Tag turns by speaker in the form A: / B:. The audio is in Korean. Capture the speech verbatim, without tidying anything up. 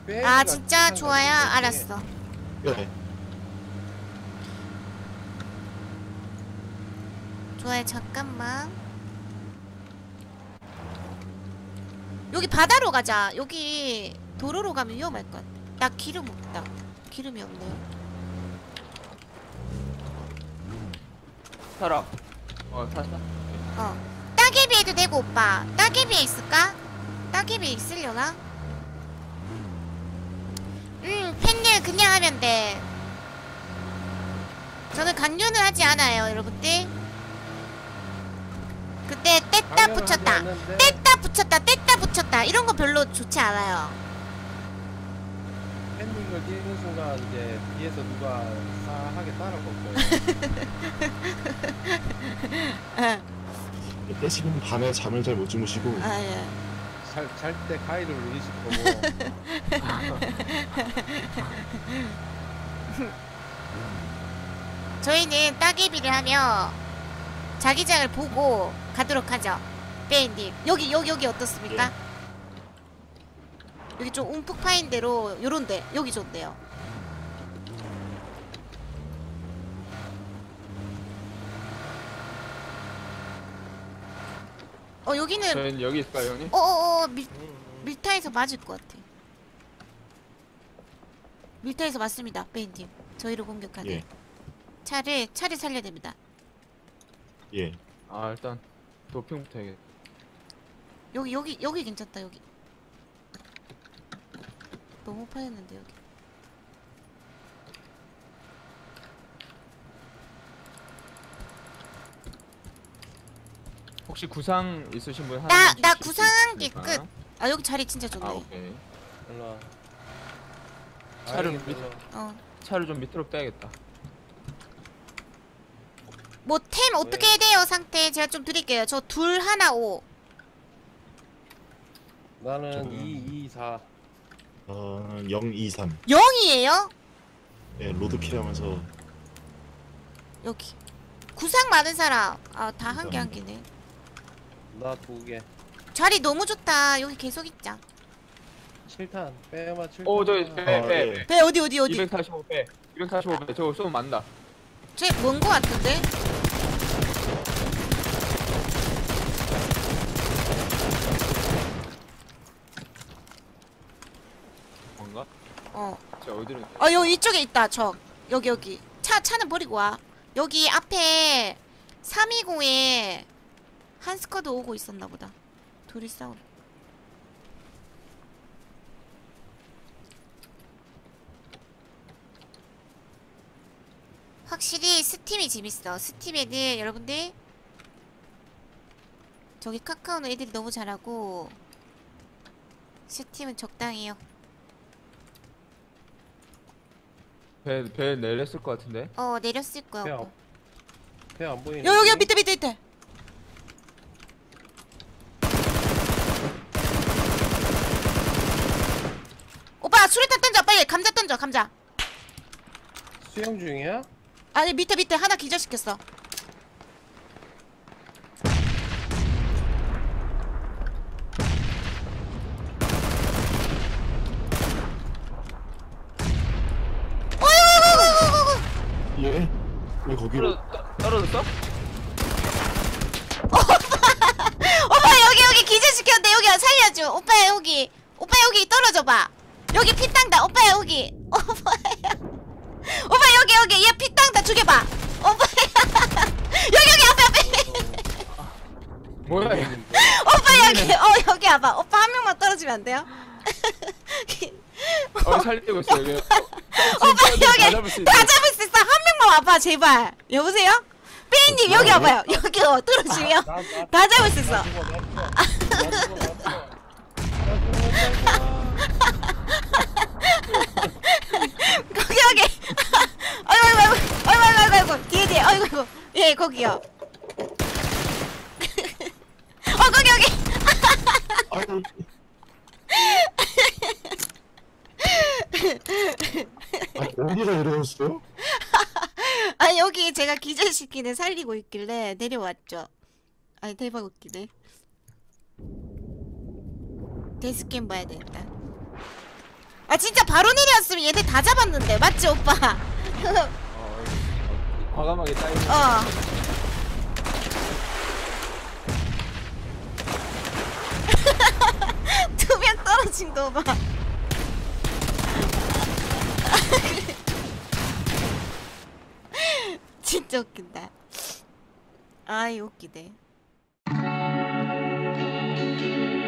A: 아 진짜 좋아요? 알았어.
B: 네.
A: 좋아요. 잠깐만. 여기 바다로 가자. 여기 도로로 가면 위험할 것 같아. 나 기름 없다. 기름이 없네요.
C: 타라. 어 탔다.
A: 어. 따개비 해도 되고 오빠. 따개비에 있을까? 따개비에 있으려나? 음 팬일 그냥 하면 돼. 저는 강요는 하지 않아요 여러분들. 그때 뗐다 붙였다 뗐다 붙였다 뗐다 붙였다 이런 거 별로 좋지 않아요.
D: 팬딩을 뛰는 순간 이제 뒤에서 누가 싸하게 따라올 거예요.
B: 떼시면 밤에 잠을 잘 못 주무시고
A: 아, 예.
D: 잘 때 가위를 누리실 거고.
A: 저희는 따개비를 하며 자기장을 보고 가도록 하죠. 빼인님 여기 여기 여기 어떻습니까?
B: 예.
A: 여기 좀 움푹 파인 대로 요런데 여기 좋네요. 어 여기는
C: 저희는 여기 있을까요 형님?
A: 어어어 밀 밀타에서 맞을 것 같아. 밀타에서 맞습니다, 빼인님. 저희를 공격하네.
B: 예.
A: 차를 차를 살려야 됩니다.
B: 예.
C: 아 일단 도핑부터 해야겠다.
A: 여기 여기 여기 괜찮다 여기. 너무 파였는데 여기.
C: 혹시 구상 있으신 분 하나?
A: 나 나
C: 주실 수
A: 구상한 게
C: 있습니까?
A: 끝. 아 여기 자리 진짜 좋네.
C: 아 오케이.
D: 일로 와.
C: 차를
D: 아이고,
C: 밑-
D: 일로 와.
A: 어.
C: 차를 좀 밑으로 빼야겠다.
A: 뭐 템 어떻게 해야 돼요 상태? 제가 좀 드릴게요. 저 둘 하나 오.
D: 나는
B: 저는-
D: 이, 이, 사.
B: 어, 영, 이, 삼.
A: 영이에요?
B: 예, 로드킬 하면서
A: 여기. 구상 많은 사람. 아 다 한 개 한 개네.
D: 나 두 개.
A: 자리 너무 좋다. 여기 계속 있자.
D: 칠 탄. 빼마 칠 탄.
C: 오 저기 빼
B: 아,
C: 빼.
B: 예.
A: 배 어디 어디 어디?
C: 이백사십오 빼. 이백사십오 빼. 저거 쏘면 맞나?
A: 쟤먼거 같은데?
C: 뭔가?
A: 어.
C: 저 어디로?
A: 아 여기 이쪽에 있다. 저 여기 여기. 차 차는 버리고 와. 여기 앞에 삼이공에 한 스쿼드 오고 있었나 보다. 둘이 싸우. 확실히 스팀이 재밌어. 스팀 애들 여러분들 저기 카카오는 애들이 너무 잘하고 스팀은 적당해요.
C: 배, 배 내렸을 것 같은데?
A: 어 내렸을 거야.
D: 배
A: 오빠.
D: 안, 배안 보이네.
A: 여 여기 밑에 밑에 밑에. 오빠 수류탄 던져 빨리. 감자 던져 감자.
D: 수영 중이야?
A: 아니 밑에 밑에 하나 기절시켰어. 어이구이구이구이구이구.
B: 예? 왜 거기로?
C: 떨어, 떨어졌어?
A: 오빠 여기 여기 기절시켰는데 여기 살려줘. 오빠 여기 오빠 여기 떨어져봐. 여기 피 땅다. 오빠 여기 오빠야. 오빠 여기 여기 얘 피 땅다. 죽여봐. 오빠야. 여기 여기 앞에 앞에.
C: 뭐야 얘.
A: 오빠 여기 어 여기 와봐. 오빠 한 명만 떨어지면 안 돼요?
C: 어 살리고 있어 여기.
A: 오빠 여기 다 잡을 수 있어. 한 명만 와봐 제발. 여보세요? 빼인님 여기 와봐요. 여기 어 떨어지면
D: 나, 나,
A: 다 잡을 수 있어.
D: 나 죽어, 나 죽어. 나 죽어, 나 죽어. 나 죽어, 나 죽어.
A: 거기 여기. 아이고 아이고 아이고 아이고 아이고 아이고 뒤에 뒤에 아이고 아이고 예 거기요. 어 거기 여기.
B: 아니, 아니 어디가 내려왔어요?
A: 아 여기 제가 기절시키는 살리고 있길래 내려왔죠. 아니 대박 웃기네. 데스캠 봐야 되겠다. 아 진짜 바로 내려왔으면 얘들 다 잡았는데 맞지 오빠?
C: 어, 과감하게 따이는.
A: 어. 두 명 떨어진 거 봐. 진짜 웃긴다. 아이 웃기네.